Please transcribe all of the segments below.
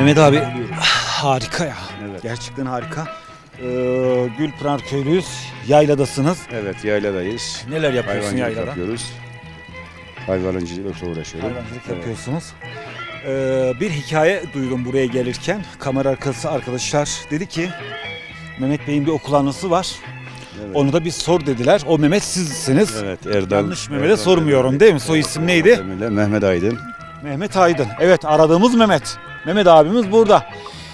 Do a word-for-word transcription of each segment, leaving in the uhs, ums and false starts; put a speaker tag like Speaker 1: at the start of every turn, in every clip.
Speaker 1: Mehmet abi harika ya.
Speaker 2: Evet.
Speaker 1: Gerçekten harika. Ee, Gülpınar köylüyüz. Yayladasınız.
Speaker 2: Evet, yayladayız.
Speaker 1: Neler yapıyorsun
Speaker 2: Hayvancılık
Speaker 1: yaylada?
Speaker 2: yapıyoruz. Hayvancılıkla uğraşıyorum.
Speaker 1: Hayvancılık
Speaker 2: Evet.
Speaker 1: yapıyorsunuz. Ee, bir hikaye duydum buraya gelirken. Kamera arkası arkadaşlar dedi ki Mehmet Bey'in bir okul anısı var.
Speaker 2: Evet.
Speaker 1: Onu da bir sor dediler. O Mehmet sizsiniz.
Speaker 2: Evet, Erdal.
Speaker 1: Yanlış Mehmet'e
Speaker 2: Erdal
Speaker 1: sormuyorum
Speaker 2: Mehmet.
Speaker 1: değil mi? Soy isim neydi?
Speaker 2: Mehmet, Mehmet Aydın.
Speaker 1: Mehmet Aydın. Evet, aradığımız Mehmet. Mehmet abimiz burada.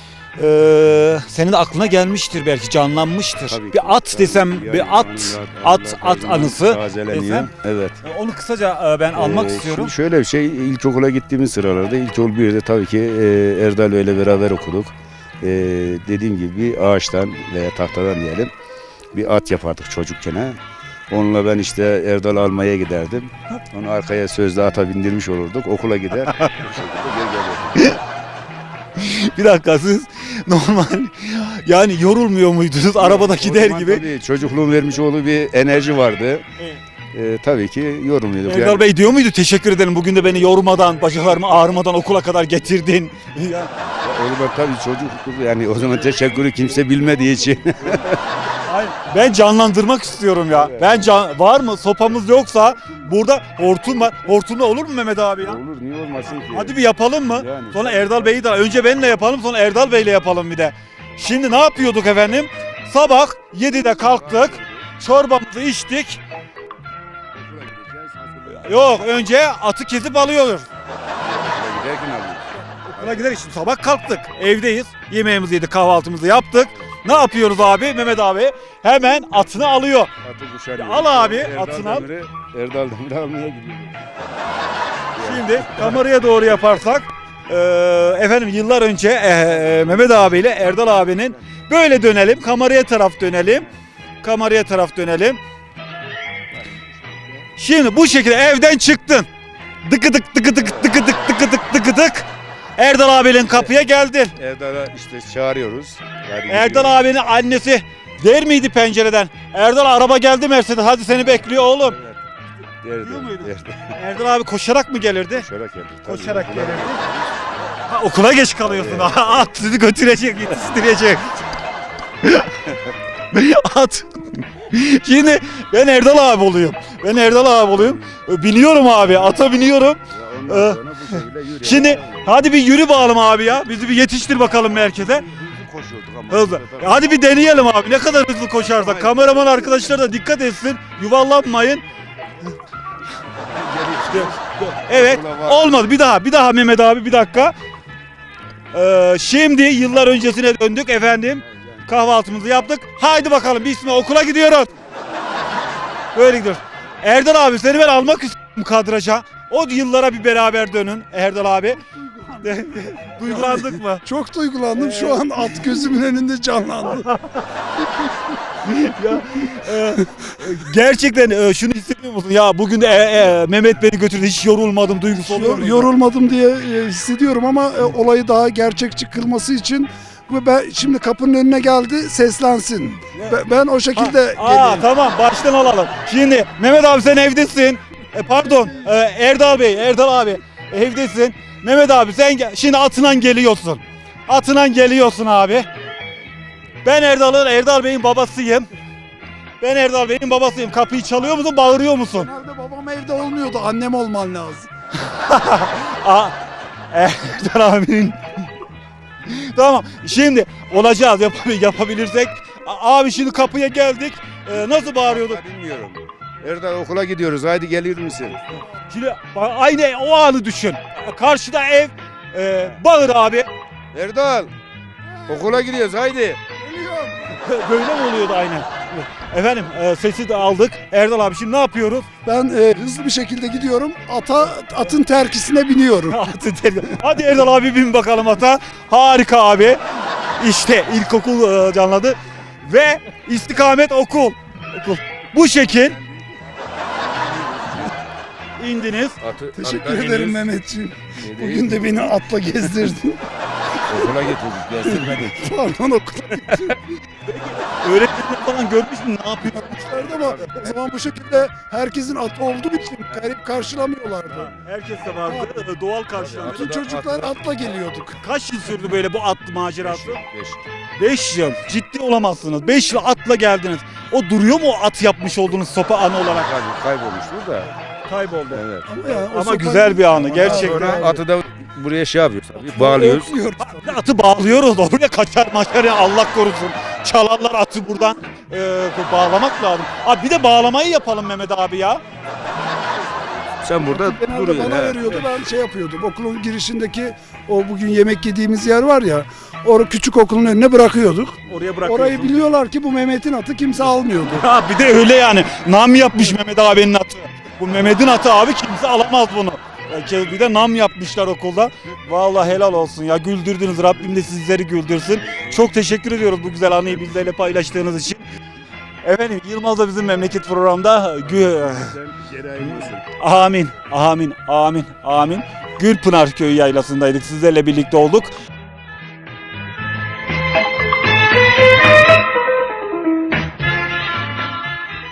Speaker 1: Ee, senin de aklına gelmiştir belki, canlanmıştır.
Speaker 2: Tabii ki.
Speaker 1: Bir at
Speaker 2: Tabii
Speaker 1: desem,
Speaker 2: ki.
Speaker 1: bir
Speaker 2: Yani
Speaker 1: at,
Speaker 2: anılar,
Speaker 1: at, at
Speaker 2: anılar
Speaker 1: anısı
Speaker 2: tazeleniyor.
Speaker 1: desem.
Speaker 2: Evet.
Speaker 1: Onu kısaca e, ben almak
Speaker 2: Ee,
Speaker 1: istiyorum.
Speaker 2: Şimdi şöyle bir şey, ilkokula gittiğimiz sıralarda, ilkokul birde tabii ki e, Erdal Bey'le beraber okuduk. E, dediğim gibi bir ağaçtan veya tahtadan diyelim bir at yapardık çocukken. Ha. Onunla ben işte Erdal almaya giderdim. Onu arkaya sözde ata bindirmiş olurduk. Okula gider. Bu şekilde geri gelirdik.
Speaker 1: Bir dakika, siz normal yani yorulmuyor muydunuz arabada
Speaker 2: O
Speaker 1: gider
Speaker 2: zaman
Speaker 1: gibi?
Speaker 2: Tabii çocukluğun vermiş olduğu bir enerji vardı.
Speaker 1: Evet.
Speaker 2: E, tabii ki yorulmuyorduk.
Speaker 1: Erdal
Speaker 2: Yani,
Speaker 1: Bey diyor muydu, teşekkür ederim bugün de beni yormadan, bacaklarımı ağrımadan okula kadar getirdin. Ya,
Speaker 2: o zaman tabii çocukluk, yani o zaman teşekkürü kimse bilmediği için.
Speaker 1: hayır, ben canlandırmak istiyorum ya.
Speaker 2: Evet.
Speaker 1: Ben can, var mı sopamız yoksa burada hortum var. Hortumla olur mu Mehmet abi ya?
Speaker 2: Olur, niye olmasın ki?
Speaker 1: Hadi bir yapalım mı?
Speaker 2: Yani.
Speaker 1: Sonra Erdal Bey'i de önce benimle yapalım, sonra Erdal Bey'le yapalım bir de. Şimdi ne yapıyorduk efendim? Sabah yedide kalktık. Çorbamızı içtik.
Speaker 2: Okula gideceğiz, hazırlık.
Speaker 1: Yok, önce atı kesip alıyoruz.
Speaker 2: Okula giderken alıyoruz.
Speaker 1: Okula gider şimdi sabah kalktık. Evdeyiz. Yemeğimizi yedik, kahvaltımızı yaptık. Ne yapıyoruz abi? Mehmet abi hemen atını alıyor.
Speaker 2: Atı kuşanıyoruz.
Speaker 1: Al abi,
Speaker 2: Erdal
Speaker 1: atını al.
Speaker 2: Demir'i, Erdal Demir'i almaya gidiyoruz.
Speaker 1: Şimdi kameraya doğru yaparsak eee, efendim yıllar önce eee, Mehmet abiyle Erdal abinin böyle dönelim. Kameraya taraf dönelim. Kameraya taraf dönelim. Şimdi bu şekilde evden çıktın. Dıkı dık dıkı dık dıkı dık dıkı dık dıkı dık. Erdal abinin kapıya geldin.
Speaker 2: Erdal'a işte çağırıyoruz. Hadi
Speaker 1: Erdal
Speaker 2: gidiyoruz.
Speaker 1: abinin annesi der miydi pencereden? Erdal araba geldi Mercedes, hadi seni bekliyor oğlum.
Speaker 2: Evet. Derdi,
Speaker 1: Diyor muydu?
Speaker 2: derdi.
Speaker 1: Erdal abi koşarak mı gelirdi?
Speaker 2: Koşarak geldik. tabii.
Speaker 1: Koşarak gelirdi. Ha, okula geç kalıyorsun. At sizi götürecek, yetiştirecek. At. Şimdi ben Erdal abi oluyorum. Ben Erdal abi oluyorum. Biniyorum abi, ata biniyorum.
Speaker 2: Ya ondan
Speaker 1: Ee,
Speaker 2: sonra bu şekilde yürüyelim.
Speaker 1: Şimdi hadi bir yürü bakalım abi ya. Bizi bir yetiştir bakalım merkeze.
Speaker 2: Hızlı koşuyorduk ama.
Speaker 1: Hızlı.
Speaker 2: Tabii.
Speaker 1: Hadi bir deneyelim abi. Ne kadar hızlı koşarsak. Kameraman arkadaşlar da dikkat etsin. Yuvarlanmayın. Evet. Olmadı. Bir daha. Bir daha Mehmet abi, bir dakika. Ee, şimdi yıllar öncesine döndük efendim. Kahvaltımızı yaptık. Haydi bakalım bismillah, okula gidiyoruz. Böyle gidiyoruz. Erdal abi, seni ben almak istiyorum kadraja. O yıllara bir beraber dönün Erdal abi. Duygulandık mı?
Speaker 3: Çok duygulandım. Şu an at gözümün önünde canlandı.
Speaker 1: Ya, e, gerçekten e, şunu hissediyor musun? Ya bugün de e, e, Mehmet beni götürdü, hiç yorulmadım, duygusu oluyor
Speaker 3: Yor-
Speaker 1: mu?
Speaker 3: Yorulmadım diye e, hissediyorum ama e, olayı daha gerçekçi kılması için ve ben şimdi kapının önüne geldi, seslensin. Be- Ben o şekilde
Speaker 1: Ha, aa,
Speaker 3: geleyim.
Speaker 1: tamam, baştan alalım. Şimdi Mehmet abi sen evdesin. E, pardon e, Erdal Bey, Erdal abi evdesin. Mehmet abi sen gel- şimdi atından geliyorsun. Atından geliyorsun abi. Ben Erdal'ın, Erdal Bey'in babasıyım. Ben Erdal Bey'in babasıyım. Kapıyı çalıyor musun, bağırıyor musun?
Speaker 3: Genelde babam evde olmuyordu. Annem olman lazım.
Speaker 1: Aa, Erdal abinin. Tamam, şimdi olacağız, yap yapabilirsek. A- Abi şimdi kapıya geldik. Ee, nasıl bağırıyorduk?
Speaker 2: Ben bilmiyorum. Erdal okula gidiyoruz. Haydi gelir misin?
Speaker 1: Şimdi ba- aynı o anı düşün. Karşıda ev. Ee, bağır abi.
Speaker 2: Erdal okula gidiyoruz. Haydi.
Speaker 1: Böyle mi oluyordu aynen? Efendim e, sesi de aldık. Erdal abi şimdi ne yapıyoruz?
Speaker 3: Ben e, hızlı bir şekilde gidiyorum. Ata atın terkisine biniyorum.
Speaker 1: Atı ter- Hadi Erdal abi bin bakalım ata. Harika abi. İşte ilkokul e, canladı. Ve istikamet okul. Okul. Bu şekil. İndiniz.
Speaker 2: Atı,
Speaker 3: Teşekkür
Speaker 2: attan
Speaker 3: ederim
Speaker 2: iniyoruz.
Speaker 3: Mehmetciğim.
Speaker 2: Ne değil.
Speaker 3: Bugün de beni atla gezdirdin.
Speaker 2: Okula getirdik, gezdirmedik.
Speaker 3: Pardon okula
Speaker 1: Öğretmenler falan görmüş mü ne yapıyor?
Speaker 3: gitmişlerdi ama o zaman bu şekilde herkesin atı olduğu için garip karşılamıyorlardı.
Speaker 1: Herkes de vardı. e, Doğal karşılandı.
Speaker 3: Bütün çocuklar atla geliyorduk.
Speaker 1: Kaç yıl sürdü böyle bu at macerası?
Speaker 2: Beş.
Speaker 1: beş yıl. Ciddi olamazsınız. beş yıl atla geldiniz. O duruyor mu o at yapmış olduğunuz sopa anı olarak?
Speaker 2: Kay- Kaybolmuştur da.
Speaker 1: Kayboldu.
Speaker 2: Evet.
Speaker 3: Ama, ya, o
Speaker 1: Ama
Speaker 3: sopa-
Speaker 1: güzel bir anı
Speaker 2: Ondan
Speaker 1: gerçekten.
Speaker 2: sonra atı da buraya şey yapıyoruz tabii, bağlıyoruz.
Speaker 3: Öpmüyoruz.
Speaker 1: Bir de atı bağlıyoruz oraya kaçar maçar ya Allah korusun. Çalarlar atı buradan e, bağlamak lazım. Abi bir de bağlamayı yapalım Mehmet abi ya.
Speaker 2: Sen burada
Speaker 3: Genelde
Speaker 2: duruyorsun.
Speaker 3: bana
Speaker 2: he.
Speaker 3: veriyordu, ben şey yapıyordum. Okulun girişindeki o bugün yemek yediğimiz yer var ya, orada küçük okulun önüne bırakıyorduk.
Speaker 1: Oraya bırakıyorsun.
Speaker 3: Orayı biliyorlar ki bu Mehmet'in atı kimse almıyordu.
Speaker 1: Ha bir de öyle yani. Nam yapmış Mehmet abinin atı. Bu Mehmet'in atı abi kimse alamaz bunu. Ya bir de nam yapmışlar okulda. Vallahi helal olsun ya güldürdünüz. Rabbim de sizleri güldürsün. Çok teşekkür ediyoruz bu güzel anıyı bizlerle paylaştığınız için. Efendim Yılmaz'da bizim memleket programda gü- Amin, amin, amin, amin. Gülpınar Köyü yaylasındaydık. Sizlerle birlikte olduk.